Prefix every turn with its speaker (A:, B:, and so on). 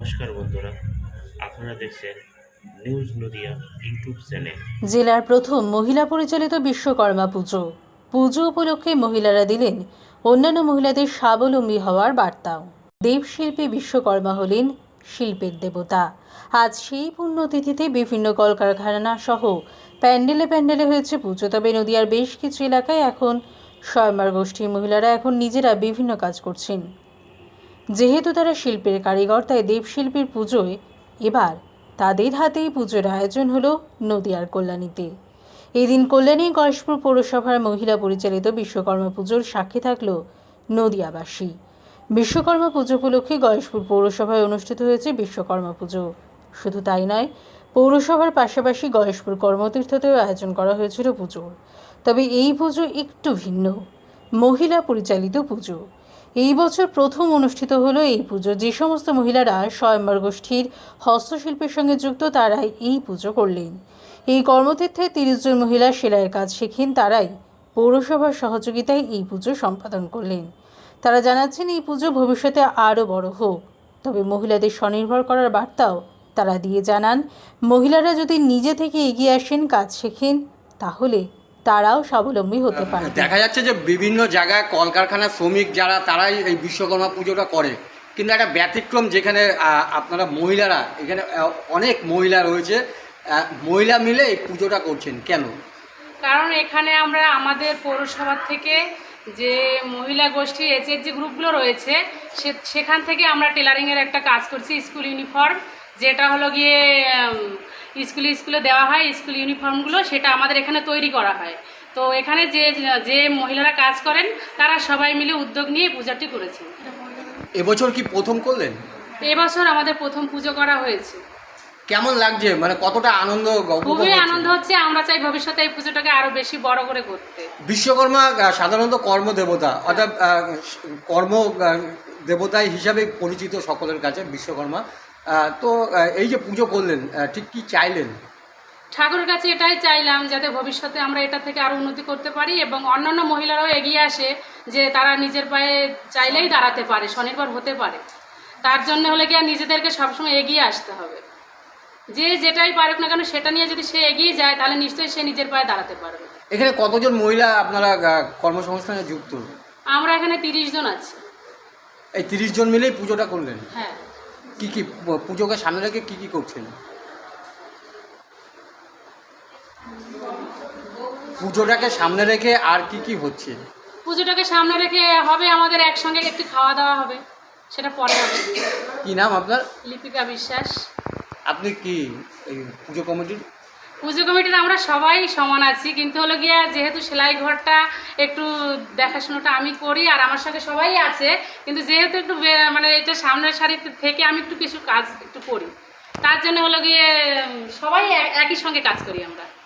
A: নমস্কার বন্ধুরা, আপনারা দেখছেন নিউজ নদিয়া ইউটিউব চ্যানেল।
B: জেলার প্রথম মহিলা পরিচালিত বিশ্বকর্মা পুজো। পুজো উপলক্ষে মহিলারা দিলেন অন্যান্য মহিলাদের স্বাবলম্বী হওয়ার বার্তাও। দেবশিল্পী বিশ্বকর্মা হলেন শিল্পের দেবতা। আজ সেই পুণ্যতিথিতে বিভিন্ন কলকারখানা সহ প্যান্ডেলে প্যান্ডেলে হয়েছে পুজো। তবে নদিয়ার বেশ কিছু এলাকায় এখন স্বয়ম্বর গোষ্ঠীর মহিলারা এখন নিজেরা বিভিন্ন কাজ করছেন। যেহেতু তারা শিল্পের কারিগর, তাই দেবশিল্পীর পুজোয় এবার তাদের হাতেই পুজোর আয়োজন হলো নদিয়ার কল্যাণীতে। এই দিন কল্যাণী গয়েশপুর পৌরসভার মহিলা পরিচালিত বিশ্বকর্মা পুজোর সাক্ষী থাকল নদিয়াবাসী। বিশ্বকর্মা পুজো উপলক্ষে গয়েশপুর পৌরসভায় অনুষ্ঠিত হয়েছে বিশ্বকর্মা পুজো। শুধু তাই নয়, পৌরসভার পাশাপাশি গয়েশপুর কর্মতীর্থতেও আয়োজন করা হয়েছিল পুজোর। তবে এই পুজো একটু ভিন্ন, মহিলা পরিচালিত পুজো। এই বছর প্রথম অনুষ্ঠিত হলো এই পুজো। যে সমস্ত মহিলারা স্বয়ম্বর গোষ্ঠীর হস্তশিল্পের সঙ্গে যুক্ত তারাই এই পুজো করলেন। এই কর্মতীর্থে 30 জন মহিলা সেলাইয়ের কাজ শেখেন। তারাই পৌরসভার সহযোগিতায় এই পুজো সম্পাদন করলেন। তারা জানাচ্ছেন এই পুজো ভবিষ্যতে আরও বড় হোক। তবে মহিলাদের স্বনির্ভর করার বার্তাও তারা দিয়ে জানান, মহিলারা যদি নিজে থেকে এগিয়ে আসেন, কাজ শেখেন, তাহলে তারাও স্বাবলম্বী হতে পারে।
C: দেখা যাচ্ছে যে বিভিন্ন জায়গায় কলকারখানার শ্রমিক যারা তারাই এই বিশ্বকর্মা পুজোটা করে, কিন্তু একটা ব্যতিক্রম যেখানে আপনারা মহিলারা এখানে অনেক মহিলা রয়েছে, মহিলা মিলে এই পুজোটা করছেন কেন?
D: কারণ এখানে আমরা আমাদের পৌরসভার থেকে যে মহিলা গোষ্ঠী যে গ্রুপগুলো রয়েছে সেখান থেকে আমরা টেলারিংয়ের একটা কাজ করছি, স্কুল ইউনিফর্ম, যেটা হলো গিয়ে স্কুলে দেওয়া হয় স্কুল ইউনিফর্মগুলো, সেটা আমাদের এখানে তৈরি করা হয়। তো এখানে যে মহিলারা কাজ করেন তারা সবাই মিলে উদ্যোগ নিয়ে পূজাটি করেছেন।
C: এবছর কি প্রথম করলেন?
D: এবছর আমাদের প্রথম পুজো করা হয়েছে।
C: কেমন লাগছে, মানে কতটা আনন্দ?
D: খুবই আনন্দ হচ্ছে। আমরা চাই ভবিষ্যতে এই পুজোটাকে আরো বেশি বড় করে করতে।
C: বিশ্বকর্মা সাধারণত কর্মদেবতা, অর্থাৎ কর্ম দেবতা হিসাবে পরিচিত সকলের কাছে বিশ্বকর্মা। তো এই যে পুজো করলেন, ঠিক কি চাইলেন?
D: ঠাকুরের কাছে এটাই চাইলাম, যাতে ভবিষ্যতে আমরা এটা থেকে আরও উন্নতি করতে পারি এবং অন্যান্য মহিলারাও এগিয়ে আসে, যে তারা নিজের পায়ে চাইলেই দাঁড়াতে পারে, স্বনির্ভর হতে পারে। তার জন্য হলে কি আর নিজেদেরকে সবসময় এগিয়ে আসতে হবে। যে যেটাই পারুক না কেন সেটা নিয়ে যদি সে এগিয়ে যায়, তাহলে নিশ্চয়ই সে নিজের পায়ে দাঁড়াতে পারবে।
C: এখানে কতজন মহিলা আপনারা কর্মসংস্থানে যুক্ত?
D: আমরা এখানে 30 জন আছি।
C: এই 30 জন মিলেই পুজোটা করলেন?
D: হ্যাঁ।
C: কি কি পুজোকে সামনে রেখে কি করছেন? পুজোটাকে সামনে রেখে আর কি হচ্ছে?
D: পুজোটাকে সামনে রেখে হবে আমাদের একসঙ্গে একটু খাওয়া দাওয়া হবে, সেটা পরে হবে।
C: কি নাম আপনার?
D: লিপিকা বিশ্বাস।
C: আপনি কি এই পুজো কমিটির?
D: আমরা সবাই সমান আছি, কিন্তু হলো গিয়া যেহেতু সেলাই ঘরটা একটু দেখাশোনাটা আমি করি আর আমার সঙ্গে সবাই আছে, কিন্তু যেহেতু একটু মানে এটা সামনের সারিতে থেকে আমি একটু কিছু কাজ একটু করি, তার জন্য হলো গিয়ে সবাই একই সঙ্গে কাজ করি আমরা।